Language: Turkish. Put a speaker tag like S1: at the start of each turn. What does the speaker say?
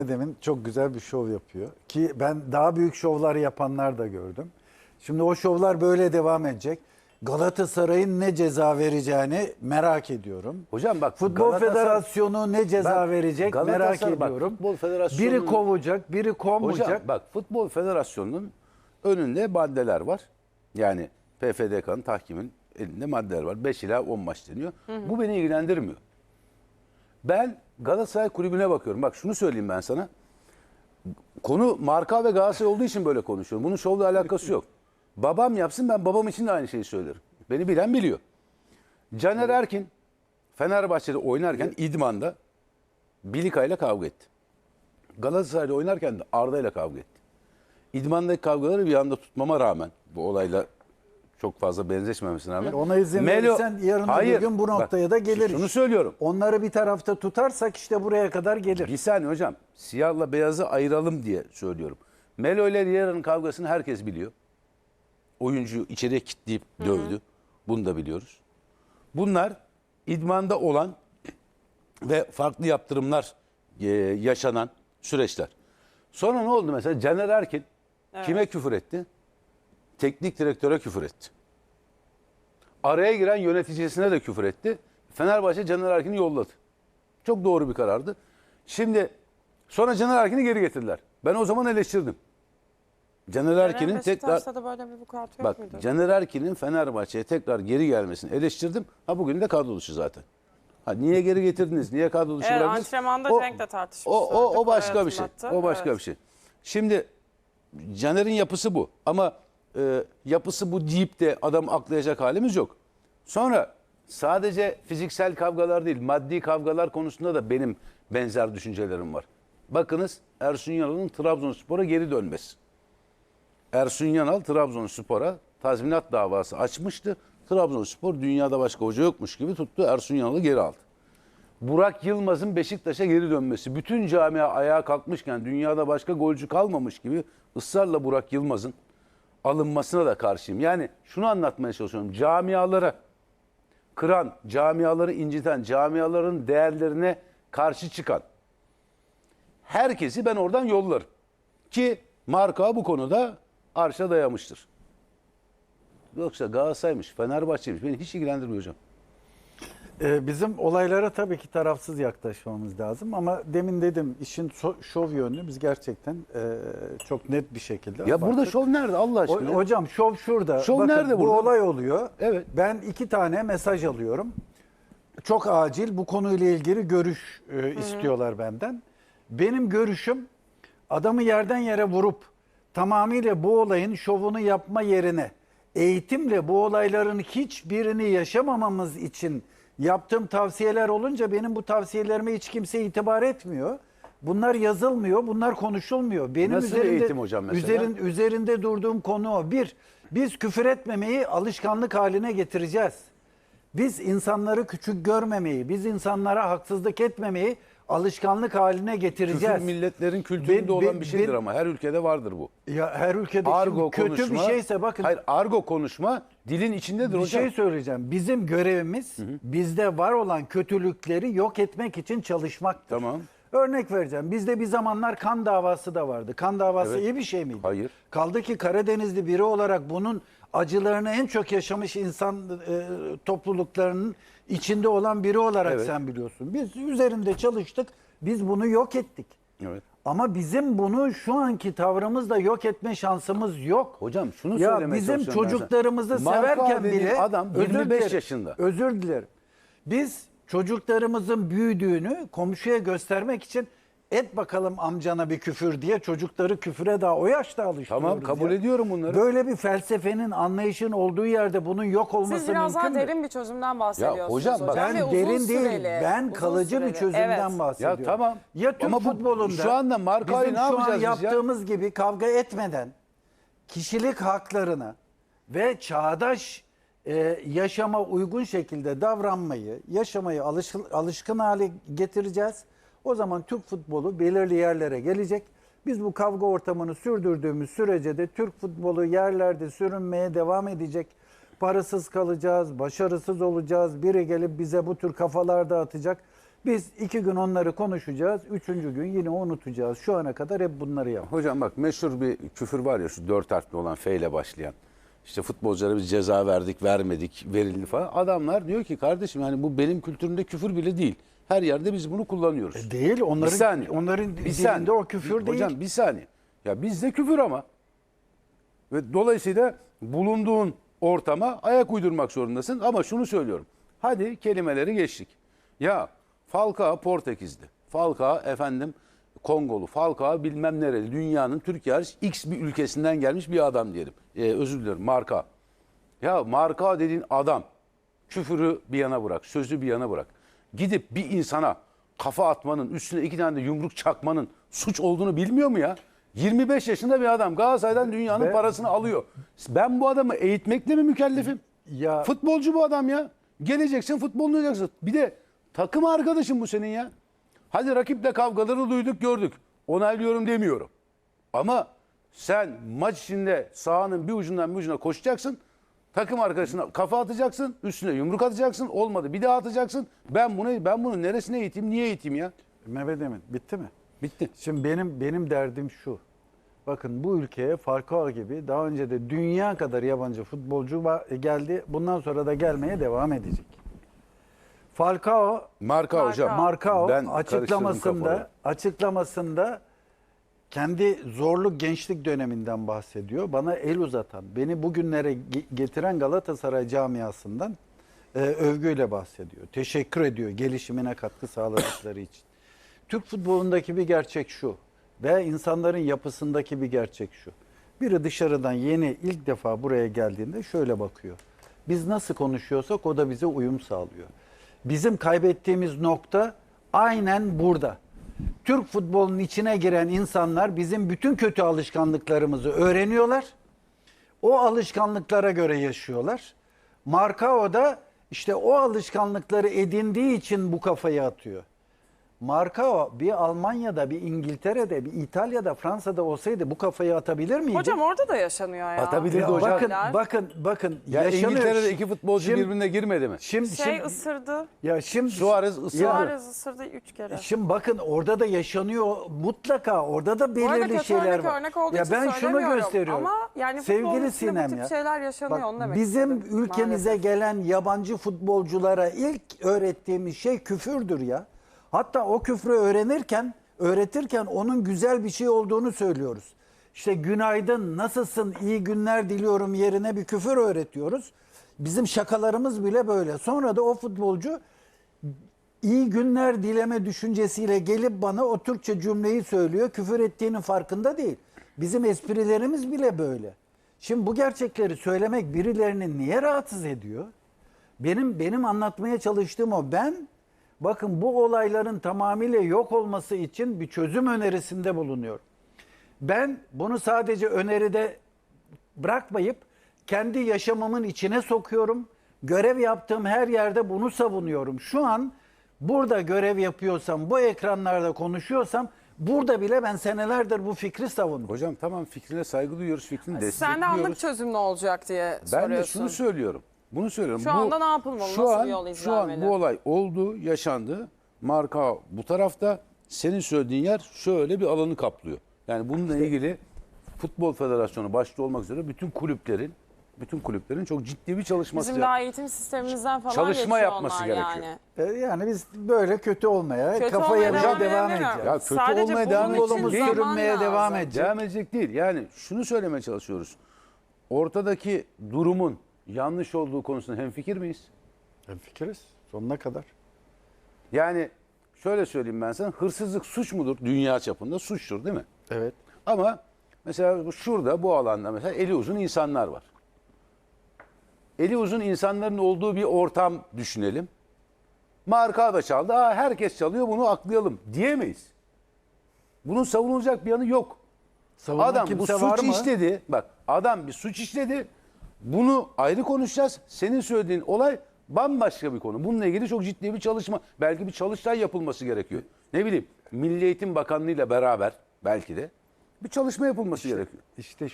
S1: Demin çok güzel bir şov yapıyor. Ki ben daha büyük şovlar yapanlar da gördüm. Şimdi o şovlar böyle devam edecek. Galatasaray'ın ne ceza vereceğini merak ediyorum.
S2: Hocam bak,
S1: Futbol
S2: Galatasaray-
S1: Federasyonu ne ceza
S2: Bak,
S1: verecek merak
S2: Galatasaray, bak,
S1: ediyorum.
S2: Futbol Federasyonu'nun-
S1: Biri kovacak, biri kovmayacak.
S2: Hocam bak, Futbol Federasyonu'nun önünde maddeler var. Yani PFDK'nın, tahkimin elinde maddeler var. 5 ila 10 maç deniyor. Bu beni ilgilendirmiyor. Ben Galatasaray kulübüne bakıyorum. Bak şunu söyleyeyim ben sana. Konu marka ve Galatasaray olduğu için böyle konuşuyorum. Bunun şovla alakası yok. Babam yapsın, ben babam için de aynı şeyi söylerim. Beni bilen biliyor. Caner Erkin Fenerbahçe'de oynarken İdman'da Bilika ile kavga etti. Galatasaray'da oynarken de Arda ile kavga etti. İdman'daki kavgaları bir anda tutmama rağmen, bu olayla çok fazla benzeşmemesine rağmen.
S1: Ona izin verirsen yarın öbür gün bu noktaya da geliriz.
S2: Şunu söylüyorum.
S1: Onları bir tarafta tutarsak işte buraya kadar gelir.
S2: Bir saniye hocam. Siyahla beyazı ayıralım diye söylüyorum. Melo ile Riera'nın kavgasını herkes biliyor. Oyuncuyu içeriye kilitleyip dövdü. Bunu da biliyoruz. Bunlar idmanda olan ve farklı yaptırımlar yaşanan süreçler. Sonra ne oldu mesela? Caner Erkin kime küfür etti? Teknik direktöre küfür etti. Araya giren yöneticisine de küfür etti. Fenerbahçe Caner Erkin'i yolladı. Çok doğru bir karardı. Şimdi sonra Caner Erkin'i geri getirdiler. Ben o zaman eleştirdim. Caner Erkin'in tekrar...
S3: Beşiktaş'ta da böyle bir vukuat yok
S2: Bak,
S3: muydu?
S2: Caner Erkin'in Fenerbahçe'ye tekrar geri gelmesini eleştirdim. Ha, bugün de kadro dışı zaten. Ha, niye geri getirdiniz? Niye kadro dışı
S3: Evet,
S2: bıraktınız?
S3: antrenmanda Cenk'le tartışmışlardı.
S2: O başka bir şey.
S3: Hatırlattı.
S2: O başka
S3: Evet.
S2: bir şey. Şimdi Caner'in yapısı bu. Ama yapısı bu deyip de adam aklayacak halimiz yok. Sonra sadece fiziksel kavgalar değil, maddi kavgalar konusunda da benim benzer düşüncelerim var. Bakınız, Ersun Yanal'ın Trabzonspor'a geri dönmesi. Ersun Yanal Trabzonspor'a tazminat davası açmıştı. Trabzonspor dünyada başka hoca yokmuş gibi tuttu, Ersun Yanal'ı geri aldı. Burak Yılmaz'ın Beşiktaş'a geri dönmesi. Bütün camia ayağa kalkmışken, dünyada başka golcü kalmamış gibi ısrarla Burak Yılmaz'ın alınmasına da karşıyım. Yani şunu anlatmaya çalışıyorum. Camialara kıran, camiaları inciten, camiaların değerlerine karşı çıkan herkesi ben oradan yollarım. Ki marka bu konuda arşa dayamıştır. Yoksa Galatasaray'mış, Fenerbahçe'ymiş, beni hiç ilgilendirmiyor hocam.
S1: Bizim olaylara tabii ki tarafsız yaklaşmamız lazım ama demin dedim işin şov yönünü biz gerçekten çok net bir şekilde
S2: Ya burada
S1: abarttık.
S2: şov nerede Allah aşkına?
S1: Hocam şov şurada.
S2: Şov
S1: Bakın,
S2: nerede
S1: bu
S2: burada?
S1: olay oluyor.
S2: Evet.
S1: Ben 2 tane mesaj alıyorum. Çok acil bu konuyla ilgili görüş istiyorlar benden. Benim görüşüm adamı yerden yere vurup tamamıyla bu olayın şovunu yapma yerine eğitimle bu olayların hiçbirini yaşamamamız için yaptığım tavsiyeler olunca benim bu tavsiyelerime hiç kimse itibar etmiyor. Bunlar yazılmıyor, bunlar konuşulmuyor. Benim
S2: Nasıl bir eğitim hocam mesela?
S1: üzerinde durduğum konu o. Bir, biz küfür etmemeyi alışkanlık haline getireceğiz. Biz insanları küçük görmemeyi, biz insanlara haksızlık etmemeyi alışkanlık haline getireceğiz.
S2: Küfür milletlerin kültüründe olan bir şeydir ama her ülkede vardır bu.
S1: Ya her ülkede
S2: Argo
S1: kötü
S2: konuşma,
S1: bir şeyse bakın.
S2: Hayır, argo konuşma dilin içindedir
S1: Bir
S2: hocam.
S1: şey söyleyeceğim. Bizim görevimiz bizde var olan kötülükleri yok etmek için çalışmaktır.
S2: Tamam.
S1: Örnek vereceğim. Bizde bir zamanlar kan davası da vardı. Kan davası
S2: Evet.
S1: iyi bir şey miydi?
S2: Hayır.
S1: Kaldı ki Karadenizli biri olarak bunun acılarını en çok yaşamış insan topluluklarının içinde olan biri olarak
S2: Evet.
S1: sen biliyorsun. Biz üzerinde çalıştık. Biz bunu yok ettik.
S2: Evet.
S1: Ama bizim bunu şu anki tavrımızla yok etme şansımız yok.
S2: Hocam şunu
S1: Ya
S2: söylemeye
S1: bizim
S2: çalışıyorum ben sana.
S1: çocuklarımızı
S2: Marka
S1: severken
S2: dediğin
S1: bile
S2: adam
S1: özür
S2: 25
S1: dilerim,
S2: yaşında.
S1: Özür dilerim. Biz çocuklarımızın büyüdüğünü komşuya göstermek için et bakalım amcana bir küfür diye çocukları küfüre daha o yaşta alıştırıyoruz.
S2: Tamam, kabul ediyorum bunları.
S1: Böyle bir felsefenin, anlayışın olduğu yerde bunun yok olması
S3: Siz biraz daha
S1: mümkün mü?
S3: derin bir çözümden bahsediyorsunuz
S2: hocam bak,
S3: hocam.
S1: Ben
S3: ve uzun
S1: derin
S3: süreli,
S1: değil, ben
S3: uzun
S1: kalıcı bir
S3: süreli.
S1: çözümden
S3: Evet.
S1: bahsediyorum.
S2: Ya tamam.
S1: Ya Türk
S2: Ama bu-
S1: futbolunda
S2: şu anda markayı
S1: bizim
S2: ne
S1: şu an
S2: yapacağız biz ya?
S1: yaptığımız gibi kavga etmeden kişilik haklarına ve çağdaş yaşama uygun şekilde davranmayı, yaşamayı alışkın hale getireceğiz. O zaman Türk futbolu belirli yerlere gelecek. Biz bu kavga ortamını sürdürdüğümüz sürece de Türk futbolu yerlerde sürünmeye devam edecek. Parasız kalacağız, başarısız olacağız. Biri gelip bize bu tür kafalar dağıtacak. Biz 2 gün onları konuşacağız. 3. gün yine unutacağız. Şu ana kadar hep bunları yaptık.
S2: Hocam bak meşhur bir küfür var ya şu 4 harfli olan F ile başlayan. İşte futbolculara biz ceza verdik, vermedik, verildi falan. Adamlar diyor ki kardeşim yani bu benim kültürümde küfür bile değil. Her yerde biz bunu kullanıyoruz.
S1: Değil. Onların,
S2: Bir saniye.
S1: onların
S2: Bir
S1: dilinde
S2: saniye.
S1: o küfür değil.
S2: Hocam bir saniye. Ya bizde küfür ama. Ve dolayısıyla bulunduğun ortama ayak uydurmak zorundasın. Ama şunu söylüyorum. Hadi kelimeleri geçtik. Ya Falcao Portekizli. Falcao efendim Kongolu. Falcao bilmem nereli. Dünyanın Türkiye hariç X bir ülkesinden gelmiş bir adam diyelim. Özür dilerim Marka. Ya Marka dediğin adam küfürü bir yana bırak. Sözü bir yana bırak. Gidip bir insana kafa atmanın, üstüne 2 tane de yumruk çakmanın suç olduğunu bilmiyor mu ya? 25 yaşında bir adam Galatasaray'dan dünyanın
S1: Ben-
S2: parasını alıyor. Ben bu adamı eğitmekle mi mükellefim?
S1: Ya
S2: Futbolcu bu adam ya. Geleceksin futbolunu oynayacaksın. Bir de takım arkadaşın bu senin ya. Hadi rakiple kavgaları duyduk gördük. Onaylıyorum demiyorum. Ama sen maç içinde sahanın bir ucundan bir ucuna koşacaksın. Takım arkadaşına kafa atacaksın. Üstüne yumruk atacaksın. Olmadı bir daha atacaksın. Ben bunu neresine eğiteyim? Niye eğiteyim ya?
S1: Mehmet Emin bitti mi?
S2: Bitti.
S1: Şimdi benim derdim şu. Bakın bu ülkeye Falcao gibi daha önce de dünya kadar yabancı futbolcu geldi. Bundan sonra da gelmeye devam edecek. Falcao
S2: Marka hocam.
S1: Marcao
S2: Ben karıştırdım kafaları.
S1: açıklamasında kendi zorlu gençlik döneminden bahsediyor. Bana el uzatan, beni bugünlere getiren Galatasaray camiasından övgüyle bahsediyor. Teşekkür ediyor gelişimine katkı sağladıkları için. Türk futbolundaki bir gerçek şu ve insanların yapısındaki bir gerçek şu. Biri dışarıdan yeni ilk defa buraya geldiğinde şöyle bakıyor. Biz nasıl konuşuyorsak o da bize uyum sağlıyor. Bizim kaybettiğimiz nokta aynen burada. Türk futbolunun içine giren insanlar bizim bütün kötü alışkanlıklarımızı öğreniyorlar. O alışkanlıklara göre yaşıyorlar. Marcao da işte o alışkanlıkları edindiği için bu kafayı atıyor. Marcao bir Almanya'da, bir İngiltere'de, bir İtalya'da, Fransa'da olsaydı bu kafayı atabilir miydi?
S3: Hocam orada da yaşanıyor ya.
S2: Atabilirdi
S1: Ya
S2: hocam.
S1: bakın
S2: Ya
S1: yaşanıyor.
S2: İngiltere'de 2 futbolcu
S1: Şimdi-
S2: birbirine girmedi mi?
S1: Şimdi
S3: Isırdı.
S2: Suarez ısırdı.
S3: Suarez ısırdı 3 kere.
S1: Şimdi bakın orada da yaşanıyor mutlaka orada da
S3: Bu arada
S1: belirli
S3: kötü
S1: şeyler
S3: örnek
S1: var.
S3: örnek olduğu
S1: Ya
S3: için
S1: ben şunu
S3: söylemiyorum.
S1: gösteriyorum.
S3: Ama yani futbolun
S1: Sevgili
S3: içinde
S1: Sinem
S3: bu tip
S1: ya.
S3: şeyler yaşanıyor
S1: Bak,
S3: onu demek
S1: bizim
S3: istedim.
S1: ülkemize
S3: Maalesef.
S1: gelen yabancı futbolculara ilk öğrettiğimiz şey küfürdür ya. Hatta o küfrü öğretirken onun güzel bir şey olduğunu söylüyoruz. İşte günaydın, nasılsın, iyi günler diliyorum yerine bir küfür öğretiyoruz. Bizim şakalarımız bile böyle. Sonra da o futbolcu iyi günler dileme düşüncesiyle gelip bana o Türkçe cümleyi söylüyor. Küfür ettiğinin farkında değil. Bizim esprilerimiz bile böyle. Şimdi bu gerçekleri söylemek birilerini niye rahatsız ediyor? Benim anlatmaya çalıştığım o. Bakın bu olayların tamamıyla yok olması için bir çözüm önerisinde bulunuyorum. Ben bunu sadece öneride bırakmayıp kendi yaşamımın içine sokuyorum. Görev yaptığım her yerde bunu savunuyorum. Şu an burada görev yapıyorsam, bu ekranlarda konuşuyorsam burada bile ben senelerdir bu fikri savunuyorum.
S2: Hocam tamam fikrine saygı duyuyoruz, fikrini
S3: Sen de
S2: destekliyoruz.
S3: anlık çözüm ne olacak diye
S2: Ben
S3: soruyorsun.
S2: de şunu söylüyorum. Bunu söylüyorum.
S3: Şu anda ne yapılmalı?
S2: Şu
S3: Nasıl
S2: an,
S3: bir yol
S2: Şu an
S3: izlenmeli?
S2: bu olay oldu, yaşandı. Marka bu tarafta. Senin söylediğin yer şöyle bir alanı kaplıyor. Yani bununla ilgili Futbol Federasyonu başta olmak üzere bütün kulüplerin çok ciddi bir çalışması
S3: Bizim daha eğitim sistemimizden falan
S2: Çalışma
S3: geçiyor
S2: yapması
S3: onlar
S2: gerekiyor.
S3: yani.
S1: Yani biz böyle kötü olmaya,
S3: Kötü
S1: kafa
S3: olmaya
S1: yemeye
S3: devam
S1: devam
S3: edemiyorum.
S1: edeceğiz.
S2: Ya kötü
S3: Sadece
S2: olmaya
S3: bunun
S2: devam
S3: için
S1: Yolumuz
S2: edecek değil.
S3: zaman
S1: sürünmeye
S3: lazım.
S1: devam edecek.
S2: Devam edecek değil. Yani şunu söylemeye çalışıyoruz. Ortadaki durumun yanlış olduğu konusunda hemfikir miyiz?
S1: Fikiriz sonuna kadar.
S2: Yani şöyle söyleyeyim ben sana. Hırsızlık suç mudur? Dünya çapında suçtur değil mi?
S1: Evet.
S2: Ama mesela şurada bu alanda mesela eli uzun insanlar var. Eli uzun insanların olduğu bir ortam düşünelim. Marka da çaldı. Herkes çalıyor bunu aklayalım diyemeyiz. Bunun savunulacak bir yanı yok.
S1: Savunan
S2: Adam bu
S1: kimse var
S2: suç
S1: mı?
S2: işledi. Bak adam bir suç işledi. Bunu ayrı konuşacağız. Senin söylediğin olay bambaşka bir konu. Bununla ilgili çok ciddi bir çalışma. Belki bir çalıştay yapılması gerekiyor. Ne bileyim Milli Eğitim Bakanlığı ile beraber belki de bir çalışma yapılması gerekiyor.
S1: İşte